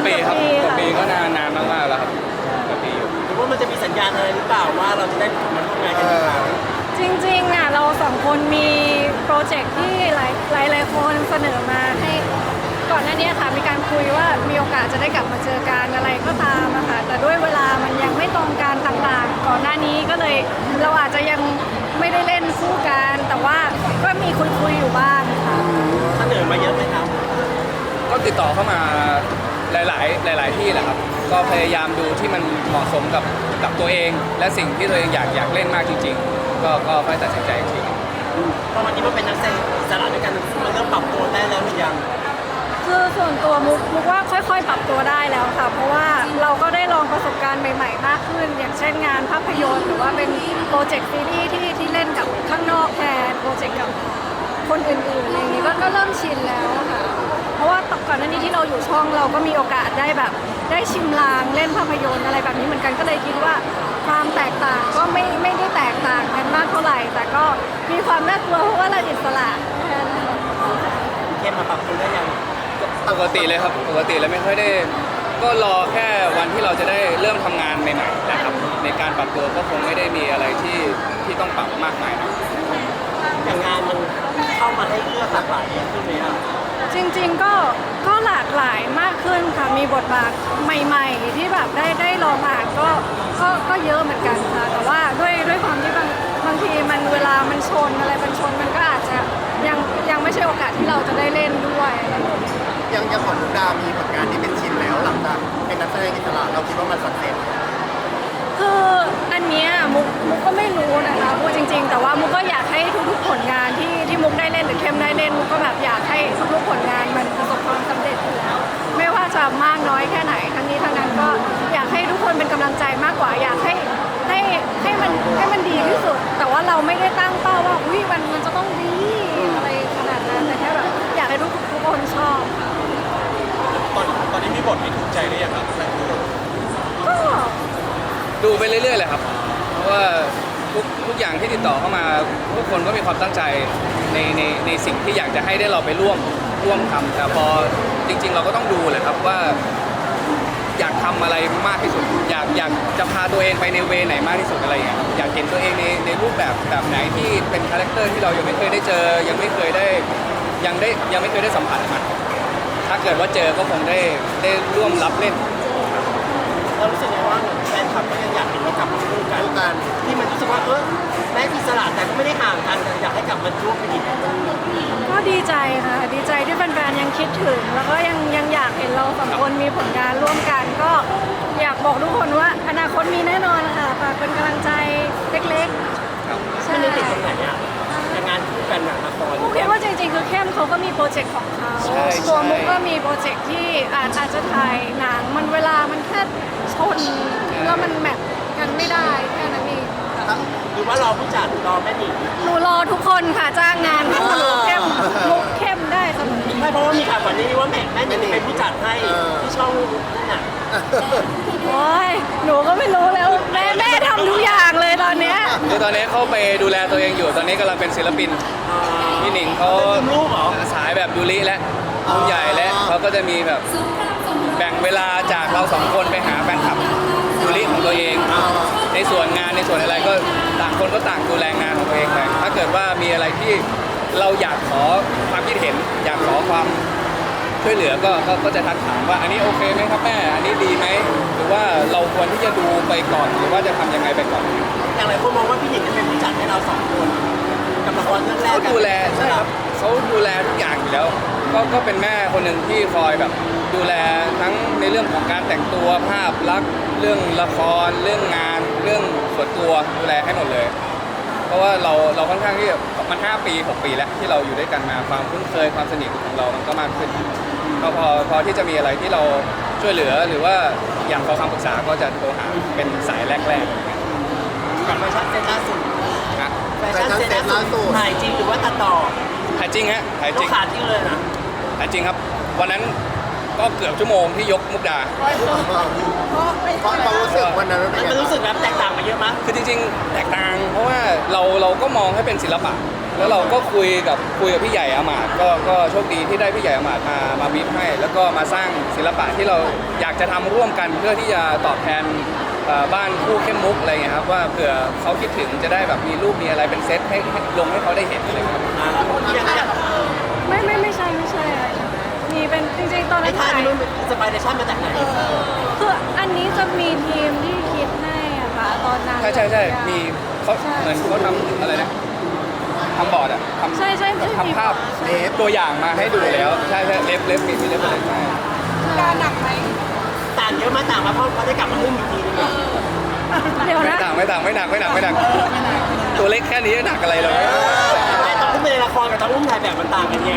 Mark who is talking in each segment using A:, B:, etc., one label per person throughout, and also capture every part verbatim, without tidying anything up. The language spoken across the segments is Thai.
A: ปีครับ
B: เกื
A: เกื
B: อ
A: อ
B: บบ ปี
A: ปี
B: ค่ะ
A: ก็นานนานมากๆแล้วครับเกือบปีอยู่
C: หรือว่ามันจะมีสัญญาณอะไรหรือเปล่าว่าเราจะได้มาร่วมงานกันอีกครั้ง
B: จริงๆอ่ะเราสองคนมีโปรเจกต์ที่หลายหลายหลายคนเสนอมาให้ก่อนหน้านี้ค่ะมีการคุยว่ามีโอกาสจะได้กลับมาเจอกันอะไรก็ตามอะค่ะแต่ด้วยเวลามันยังไม่ตรงกันต่างๆ ก่อนหน้านี้ก็เลยเราอาจจะยังไม่ได้เล่นคู่กันแต่ว่าก็มีคุยๆอยู่บ้างค่ะ
C: เสนอมาเยอะไหมครับ
A: ก็ติดต่อเข้ามาหลาย ๆ หลาย ๆ ที่แหละครับก็พยายามดูที่มันเหมาะสมกับกับตัวเอง และสิ่งที่ตัวเองอยากอยากเล่นมากจริง ๆ ก็ก็ค่อยตัดสินใจอีกที
C: ตอนนี้มันเป็นนักแสดงอิสระด้วยกันมันเริ่มปรับตัวได้แล้วหรือยัง
B: คือส่วนตัวมุกมุกว่าค่อยๆ ปรับตัวได้แล้วค่ะ เพราะว่าเราก็ได้ลองประสบการณ์ใหม่ๆ มากขึ้น อย่างเช่นงานภาพยนตร์หรือว่าเป็นโปรเจกต์ซีรีส์ที่ที่เล่นกับข้างนอกแทนโปรเจกต์กับคนอื่นๆอะไรอย่างนี้ก็ก็เริ่มชินแล้วค่ะ เพราะว่าก่อนหน้านี้ที่เราอยู่ช่องเราก็มีโอกาสได้แบบได้ชิมลางเล่นภาพยนตร์อะไรแบบนี้เหมือนกันก็เลยคิดว่าความแตกต่างก็ไม่ไม่ได้แตกต่างกันมากเท่าไหร่ แต่ก็มีความน่ากลัวเพราะว่าเราอิสระแค่นั้น
C: เข้มมาปรับตัวได้ยัง
A: ปกติเลยครับปกติแล้วไม่ค่อยได้ก็รอแค่วันที่เราจะได้เริ่มทำงานใหม่ๆแหละครับในการปรับตัวก็คงไม่ได้มีอะไรที่ที่ต้องปรับมากมายนะ
C: อย่างงานมันเข้ามาให้เลือกหลากหลายเยอะขึ้นไหมอ่ะ
B: จริงๆก็ก็หลากหลายมากขึ้นค่ะ มีบทบาทใหม่ๆ ที่แบบได้ได้ลองอ่านก็ก็ก็เยอะเหมือนกันค่ะ แต่ว่าด้วยด้วยความที่บางบางทีมันเวลามันชนอะไรมันชนมันก็อาจจะยังยังไม่ใช่โอกาสที่เราจะได้เล่นด้วยอะไรอย่างเงี้ย
D: ยังยังของมุกดามีผลงานที่เป็นชิ้นแล้วหลังจากเป็นนักแสดงอิสระเราคิดว่ามันสักเซส
B: คืออันเนี้ยมุกมุกก็ไม่รู้นะคะพูดจริง ๆ แต่ว่ามุกก็อยากให้ทุกๆผลงานที่ที่มุกได้เล่นหรือเข้มได้เล่นมุกก็แบบอยากให้ทุกๆผลงานมันประสบความสำเร็จอยู่แล้วไม่ว่าจะมากน้อยแค่ไหนทั้งนี้ทั้งนั้นก็อยากให้ทุกคนเป็นกำลังใจมากกว่าอยากให้ให้ให้มันให้มันดีที่สุด แต่ว่าเราไม่ได้ตั้งเป้าว่าอุ้ยมันมันจะต้องดีอะไรขนาดนั้นแต่แค่แบบอยากให้ทุกทุกคนชอบ
C: ตอนตอนนี้มีบทที่ถูกใจหรือยังครับ
B: ก็
A: ดูไปเรื่อยๆเลยครับเพราะว่าทุกทุกอย่างที่ติดต่อเข้ามาทุกคนก็มีความตั้งใจในในในสิ่งที่อยากจะให้ได้เราไปร่วมร่วมทำแต่พอจริง ๆ เราก็ต้องดูแหละครับว่าอยากทำอะไรมากที่สุด อยากอยากจะพาตัวเองไปในเวไหนมากที่สุดอะไรอย่างเงี้ยอยากเห็นตัวเองในในรูปแบบแบบไหนที่เป็นคาแรคเตอร์ที่เรายังไม่เคยได้เจอ ยังไม่เคยได้ยังได้ยังไม่เคยได้สัมผัสมันถ้าเกิดว่าเจอก็คงได้ได้ร่วมรับเล่น
C: เรารู้สึกไงว่าแฟนคลับก็ยังอยากเห็นเรากลับมาคู่กัน
D: คู่กัน
C: ที่มันรู้สึกว่าเออแม้อิสระแต่ก็ไม่ได้ห่างกันแต่อยากให้กลับมาร่วมกันอีก
B: ก็ดีใจค่ะ ดีใจที่แฟนๆยังคิดถึง แล้วก็ยังยังอยากเห็นเราสองคนมีผลงานร่วมกัน ก็อยากบอกทุกคนว่าอนาคตมีแน่นอนค่ะฝากเป็นกำลังใจเล็กๆใช่
C: มันยังติดตรงไหนอ่ะอย่างงานคู่กันหนังละคร
B: มุกคิดว่าจริงๆคือเข้มเขาก็มีโปรเจกต์ของเขา
A: ใช่ใช่
B: ตัวมุกก็มีโปรเจกต์ที่อาจอาจจะถ่ายหนังมันเวลามันแค่ชนแล้วมันแมทกันไม่ได้แค่นั้นเอง
C: หรือว่ารอผู้จัดรอแม่หนิง
B: หนูรอทุกคนค่ะจ้างงานคู่หนูเข้มมุกเข้มได้เสมอ
C: ไม่เพราะว่ามีข่าวก่อนหนานี้ว่าแม่แม่หนิงเป็นผู้จัดให้ที่ช่องนั่นน่ะ
B: โอ้ยหนูก็ไม่รู้แล้วแม่แม่ทำทุกอย่างเลยตอนเนี้ย
A: คือตอนนี้เขาไปดูแลตัวเองอยู่ ตอนนี้กำลังเป็นศิลปิน พี่หนิงเขา
C: เป็นลูกเหรอ
A: สายแบบยูริและรุ่นใหญ่และเขาก็จะมีแบบแบ่งเวลาจากเราสองคนไปหาแฟนคลับยูริของตัวเอง ในส่วนงานในส่วนอะไรก็ต่างคนก็ต่างดูแลงานของตัวเองไปถ้าเกิดว่ามีอะไรที่เราอยากขอความคิดเห็น อยากขอความช่วยเหลือก็ก็ก็จะทักถามว่าอันนี้โอเคไหมครับแม่อันนี้ดีไหมหรือว่าเราควรที่จะดูไปก่อนหรือว่าจะทำยังไงไปก่อน
C: อย่างไรคนมองว่าพี่หนิงจะเป็นผู้จัดให้เราสองคนกับละครเรื่องแรก
A: เขาดูแลใช่ครับเขาดูแลทุกอย่างอยู่แล้ว ก็ก็เป็นแม่คนหนึ่งที่คอยแบบดูแลทั้งในเรื่องของการแต่งตัวภาพลักษณ์เรื่องละครเรื่องงานเรื่องส่วนตัวดูแลให้หมดเลย เพราะว่าเราเราค่อนข้างที่มันห้าปีหกปีแล้วที่เราอยู่ด้วยกันมาความคุ้นเคยความสนิทของเรามันก็มากขึ้นก็พอพอที่จะมีอะไรที่เราช่วยเหลือหรือว่าอยากขอคำปรึกษาก็จะโทรหาเป็นสายแรกๆ
C: อย่างแฟชั่นเซ็ตล่าสุด
A: นะ
C: แฟชั่นเซ็ตล่าสุดถ่ายจริงหรือว่าตัดต่อ
A: ถ่ายจริงฮะถ่ายจ
C: เรา
A: ริง
C: ขาดจริงเลยนะ
A: ถ่ายจริงครับวันนั้นก็เกือบชั่วโมงที่ยกมุกดา
D: เพราะความรู้สึกวันนั้นมันเป็น
C: มัน
D: ยังไง
C: รู้สึกแบบแตกต่างมาเยอะมั้ย
A: คือจริงๆแตกต่างเพราะว่าเราเราก็มองให้เป็นศิลปะ แล้วเราก็คุยกับคุยกับพี่ใหญ่อามาตย์ก็ก็โชคดีที่ได้พี่ใหญ่อามาตย์มามาบีบให้ แล้วก็มาสร้างศิลปะที่เราอยากจะทำร่วมกันเพื่อที่จะตอบแทนเอ่อบ้านคู่เข้มมุกอะไรเงี้ยครับว่าเผื่อเขาคิดถึงจะได้แบบมีรูปมีอะไรเป็นเซตให้ให้ลงให้เขาได้เห็นอะไรครับ
C: อย่างอย่าง
B: ไม่ไม่ไม่ใช่ไม่ใช่อะไรมีเป็นจริงๆตอน
C: ไอ้
B: นั้น
C: ท่า
B: ถ่าย
C: นี้มันสไปเดชั่นมาจากไหน
B: คืออันนี้จะมีทีมที่คิดให้อะค่ะตอนนั้น
A: ใช่ใช่ใช่มีเขาเหมือนเขาทำอะไรนะทำบอร์ดอะทำ
B: ใช่ใช่ใช่
A: ทำภาพเล็บตัวอย่างมาให้ดูแล้วใช่ใช่เล็บเล็บมีมีเล็บอะไรใช่
B: การหนักไหม
C: ต่างเยอะมากต่างมาเพราะเขาได้กลับมาหุ้มอีกทีนึง
B: เดี๋ยว
A: ไม่
B: นะ
A: ต่างไม่ต่างไม่หนักไม่หนักไม่หนักตัวเล็กแค่นี้หนักอะไรเลย
C: แต่ตอนที่เป็นในละครกับตอนอุ้มถ่ายแบบมันต่างกันไง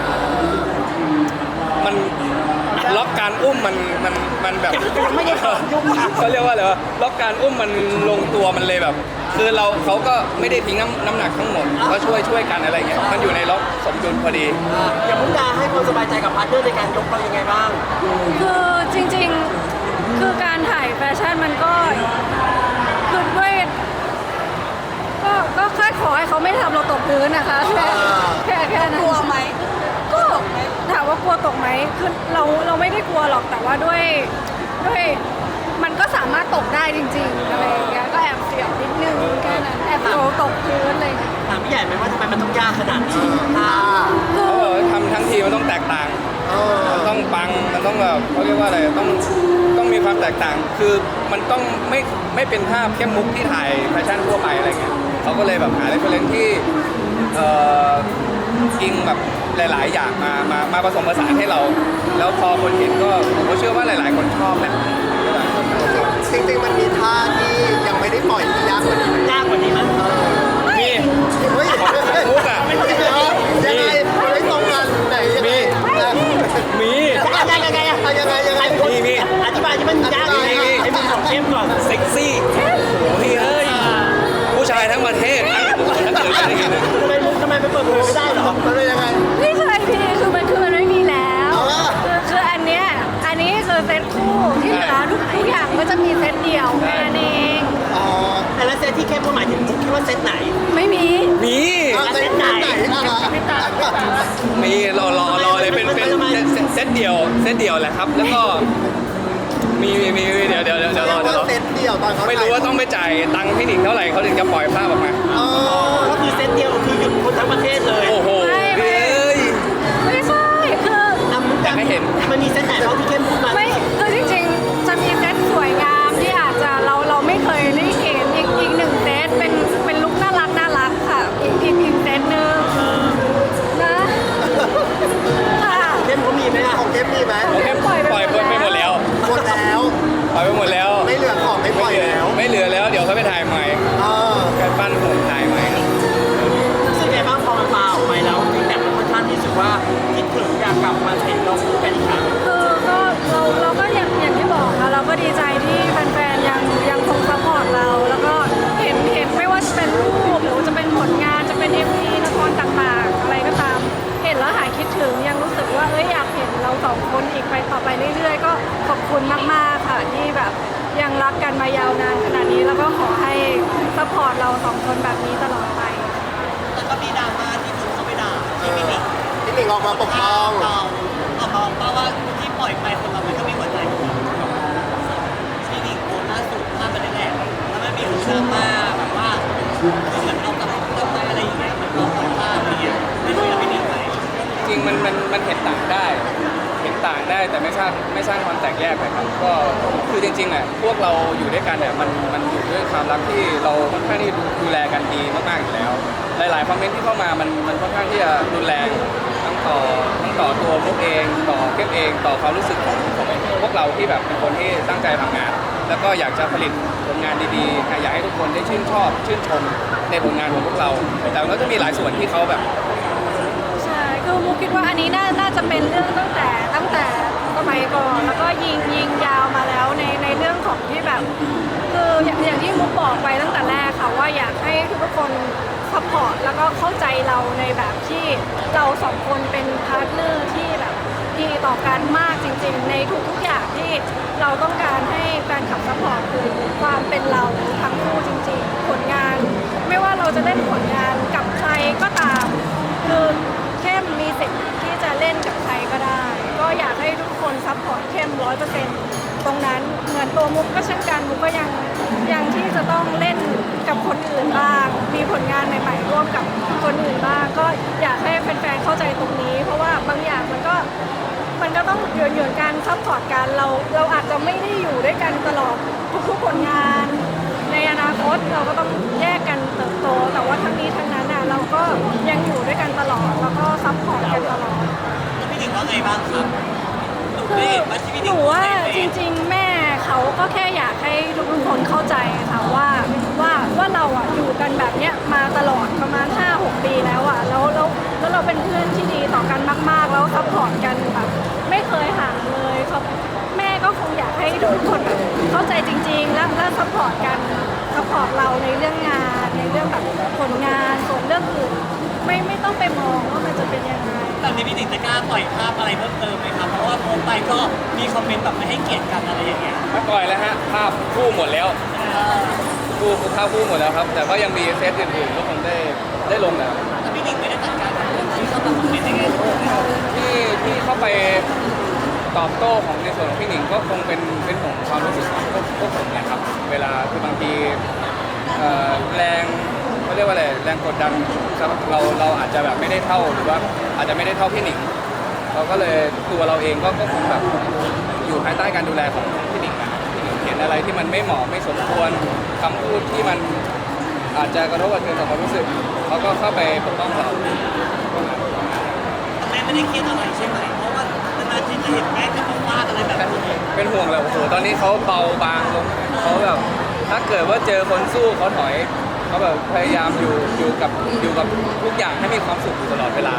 A: มันล็อกการอุ้มมันมันมันแบบ
C: ไม่ได้ขอยุ่งค่ะ
A: เขาเรียกว่าอะไรวะล็อกการอุ้มมันลงตัวมันเลยแบบ คือเราเขาก็ไม่ได้ทิ้งน้ำน้ำหนักทั้งหมดก็ช่วยช่วยกันอะไรเงี้ยมันอยู่ในล็อกสมดุลพอดี
C: อย่างมุกดาให้ความสบายใจกับพาร์ทเนอร์ในการยกเรายังไงบ้าง
B: คือจริงๆคือการถ่ายแฟชั่นมันก็คือด้วยก็ก็แค่ขอให้เขาไม่ทำเราตกพื้นนะคะแค่แค่แค่นั้นกลัวไหมก็ถามว่ากลัวตกไหมคือเราเราไม่ได้กลัวหรอกแต่ว่าด้วยด้วยมันก็สามารถตกได้จริงๆอะไรอย่างเงี้ยก็แอบเสียวนิดนึงแค่นั้นแอบโดนตกพื้นอะไรอย่างเลย
C: ถามพี่ใหญ่ไหมว่าทำไมมันต้องยากขนาดนี้ท่า
B: คือ
A: เขาบอกว่าทำทั้งทีมันต้องแตกต่าง
D: เออ
A: มันต้องปังมันต้องแบบเขาเรียกว่าอะไรต้องต้องมีความแตกต่าง คือมันต้องไม่ไม่เป็นภาพเข้มมุกที่ถ่ายแฟชั่นทั่วไปอะไรเงี้ยเขาก็เลยแบบหาเรฟเฟรนซ์ที่เอ่ออิงแบบหลาย ๆ อย่างมามามาผสมผสานให้เรา แล้วพอคนเห็นก็ผมก็เชื่อว่าหลาย ๆ คนชอบแหละ
D: จริงๆมันมีท่าที่ยังไม่ได้ปล่อยที่ยากกว่านี้ไหม
C: ยากกว่านี้มั้ย
A: มี
D: เฮ้ย
A: มุกอะ
D: ยังไงไม่ตรงกันไหนยังไง
A: มี
C: ยังไงยังไงยังไง
D: ยังไงยังไง
A: มีมี
C: อธิบายที่มันยากยังไงให้มันสองเข้มก่อน
A: เซ็กซี่โอ้ยเฮ้ยผู้ชายทั้งประเทศถ้าเกิดอะไรอย่างเงี้ยนะ
C: ทำไมมุกทำไมไปเปิดเผยไม่ได้หรอ
D: มันเป็นยังไง
B: ไม่ใช่พี่คือมันคือมันไม่มีแล้ว
D: เอาละ
B: คือคืออันเนี้ยอันนี้คือเซตคู่ที่เหลือทุกทุกอย่างก็จะมีเซตเดียวแค่นั้นเอง
D: อ๋อ
C: แต่ละเซตที่เข้มก็หมายถึงมุกคิดว่าเซตไหน
B: ไม่มี
A: มี
D: เอาเส้นไหนอ่ะ
A: มีรอรอรอเลยเป็นเป็นเซตเซตเดียวเซตเดียวแหละครับ แล้วก็มีมีมีเดี๋ยวเดี๋ยวเดี๋ยวเดี๋ยวรอเดี๋ยวรอ
D: เซตเดียวตอนเขา
A: ไม่รู้ว่าต้องไปจ่ายตังค์พี่หนิงเท่าไหร่เขาถึงจะปล่อยภาพออกมา
D: เออ
C: ก็คือเซตเดียวคือหยุดคนทั้งประเทศเลย
A: โอ้โหพี่เอ้ย
B: ไม่ใช่คือ
C: อ่ะมุก
A: อยากให้เห็น
C: มันมีเซตไหนบ้างที่เข้มพูดมา
B: ไม่คือจริงๆจะมีเซตสวยงามที่อาจจะเราเราไม่เคยได้เห็นอีกอีกหนึ่งเซตเป็นเป็นลุคน่ารักน่ารักค่ะอีกอีกอีกเซตหนึ่งนะค่ะ
C: เข้มเขามีไหมอ่ะ
D: ของเก็บมีไหม
A: โอเคปล่อยปล่อยไปหมดแล้ว
D: หมดแล้ว
A: ปล่อยไปหมดแล้ว
D: ไม่เหลือของไม่ปล่อยแล้ว
A: ไม่เหลือแล้วเดี๋ยวเขาไปถ่ายใหม่
D: เออ
A: การปั้นผมถ่ายใหม่ครับ
C: รู้สึกไงบ้างพอมันมาออกไปแล้วแต่มันค่อนข้างที่สุดว่าคิดถึงอยากกลับมาเห็นเราคู่กันอีกครั้ง
B: คือก็เราเราก็อย่างอย่างที่บอกค่ะเราก็ดีใจที่แฟนๆยังยังคงซัพพอร์ตเรา แล้วก็เห็นเห็นไม่ว่าจะเป็นรูปหรือว่าจะเป็นผลงานจะเป็น เอ็ม วี ละครต่างๆ อะไรก็ตาม เห็นแล้วหายคิดถึงยังรู้สึกว่าเอ้ยอยากเห็นเราสองคนอีกไปต่อไปเรื่อยๆ ก็ขอบคุณมากๆค่ะที่แบบยังรักกันมายาวนานขนาดนี้แล้วก็ขอให้ซัพพอร์ตเราสองคนแบบนี้ตลอดไป
C: แต่ก็มีดราม่าที่คุณเขาไปด่า
D: เออพี่หนิงออกมาปกป้อง
C: เราออกมาเพราะว่าที่ปล่อยไปคนเรามันก็มีหัวใจของเราที่หนิงโพสต์ล่าสุดภาพมันแหละแล้วมันมีดราม่าแบบว่าเหมือนเอากลับกลับมาอะไรอย่างเงี้ยมันก็ปล่อยภาพอะไรเงี้ยไม่รู้จะไปเรียนไหน
A: จริงมันมันมันเห็นต่างได้ เห็นต่างได้แต่ไม่สร้างไม่สร้างความแตกแยกเลยครับก็คือจริงๆอ่ะพวกเราอยู่ด้วยกันเนี่ยมันมันอยู่ด้วยความรักที่เราค่อนข้างที่ดูแลกันดีมากๆอยู่แล้ว หลายๆคอมเมนต์ที่เข้ามามันมันค่อนข้างที่จะรุนแรงทั้งต่อทั้งต่อตัวพวกเองต่อเก็บเองต่อความรู้สึกของของพวกเราที่แบบเป็นคนที่ตั้งใจทำงาน แล้วก็อยากจะผลิตผลงานดีๆอยากให้ทุกคนได้ชื่นชอบชื่นชมในผลงานของพวกเรา แต่มันก็จะมีหลายส่วนที่เขาแบบ
B: ใช่ คือมุกคิดว่าอันนี้น่าน่าจะเป็นเรื่องตั้งแต่ตั้งแต่สมัยก่อน แล้วก็ยิงยิงยาวมาแล้วในในเรื่องของที่แบบ คืออย่างอย่างที่มุกบอกไปตั้งแต่แรกค่ะว่าอยากให้ทุกคนซัพพอร์ตแล้วก็เข้าใจเราในแบบที่เราสองคนเป็นพาร์ทเนอร์ที่แบบทดีต่อกันมากจริงๆ ในทุกๆอย่างที่เราต้องการให้แฟนคลับซัพพอร์ตคือความเป็นเราทั้งคู่จริงๆ ผลงาน ไม่ว่าเราจะเล่นผลงานกับใครก็ตามคือเข้มมีสิทธิ์ที่จะเล่นกับใครก็ได้ ก็อยากให้ทุกคนซัพพอร์ตเข้มร้อยเปอร์เซ็นต์ตรงนั้นเหมือนตัวมุกก็เช่นกันมุกก็ยังยังที่จะต้องเล่นกับคนอื่นบ้าง มีผลงานใหม่ๆร่วมกับคนอื่นบ้าง ก็อยากให้แฟนๆเข้าใจตรงนี้ เพราะว่าบางอย่างมันก็มันก็ต้องหยวนๆกันซัพพอร์ตกันเราเราอาจจะไม่ได้อยู่ด้วยกันตลอดทุกๆผลงาน ในอนาคตเราก็ต้องแยกกันเติบโต แต่ว่าทั้งนี้ทั้งนั้นน่ะเราก็ยังอยู่ด้วยกันตลอดแล้วก็ซัพพอร์ตกันตลอด
C: แล้วพี่หนิงว่าไงบ้างครับหนู
B: คื
C: ได้
B: อ
C: เห็นว่าที่พี่ห
B: ห
C: นิง
B: นู
C: โพสต์
B: ว่า
C: ในเฟ
B: จ
C: ซ
B: ริงๆ แม่เขาก็แค่อยากให้ทุกๆคนเข้าใจค่ะว่าว่าว่าเราอ่ะอยู่กันแบบเนี้ยมาตลอดประมาณ ห้าหก ปีแล้วอ่ะแล้วแล้วแล้วเราเป็นเพื่อนที่ดีต่อกันมากๆ แล้วซัพพอร์ตกันแบบไม่เคยห่างเลยเขาแม่ก็คงอยากให้ทุกคนแบบเข้าใจจริงๆ แล้วแล้วซัพพอร์ตกันซัพพอร์ตเราในเรื่องงานในเรื่องแบบผลงานส่วนเรื่องอื่นไม่ไม่ต้องไปมองว่ามันจะเป็นยังไง
C: ตอนนี้พี่หนิงจะกล้าปล่อยภาพอะไรเพิ่มเติมไหมครับ เพราะว่าโพสต์ไปก็มีคอมเมนต์แบบไม่ให้เกียรติกันอะไรอย่างเงี้ย
A: ไม่ปล่อยแล้วฮะภาพคู่หมดแล้ว
C: เออ
A: คู่ภาพคู่หมดแล้วครับ แต่ก็ยังมีเซตอื่นๆก็คงได้ได้ลงนะครับ
C: แต่พี่หนิงไม่ได้จัดการกับเรื่องที่เข้ามาคอมเมนต์ในแง่ลบนะครับ
A: ที่ที่เข้าไปตอบโต้ของในส่วนของพี่หนิงก็คงเป็นเป็นห่วงความรู้สึกของพวกพวกผมแหละครับ เวลาคือบางทีเอ่อแรงเขาเรียกว่าอะไรแรงกดดันสำหรับเราเราอาจจะแบบไม่ได้เท่าหรือว่าอาจจะไม่ได้เท่าพี่หนิงเราก็เลยตัวเราเองก็ก็คงแบบอยู่ภายใต้การดูแลของพี่หนิงนะพี่หนิงเห็นอะไรที่มันไม่เหมาะไม่สมควรคำพูดที่มันอาจจะกระทบกระเทือนต่อความรู้สึกเขาก็เข้าไปปกป้องเรา
C: แม่ไม่ได้เครียดอะไรใช่ไหม เพราะว่านานๆทีจะเห็นแม่กับฟาดอะไรแบบนี้
A: เป็นห่วงแบบโอ้โหตอนนี้เขาเบาบางลงเขาแบบถ้าเกิดว่าเจอคนสู้เขาถอยเขาแบบพยายามอยู่อยู่กับอยู่กับทุกอย่างให้มีความสุขอยู่ตลอดเวลา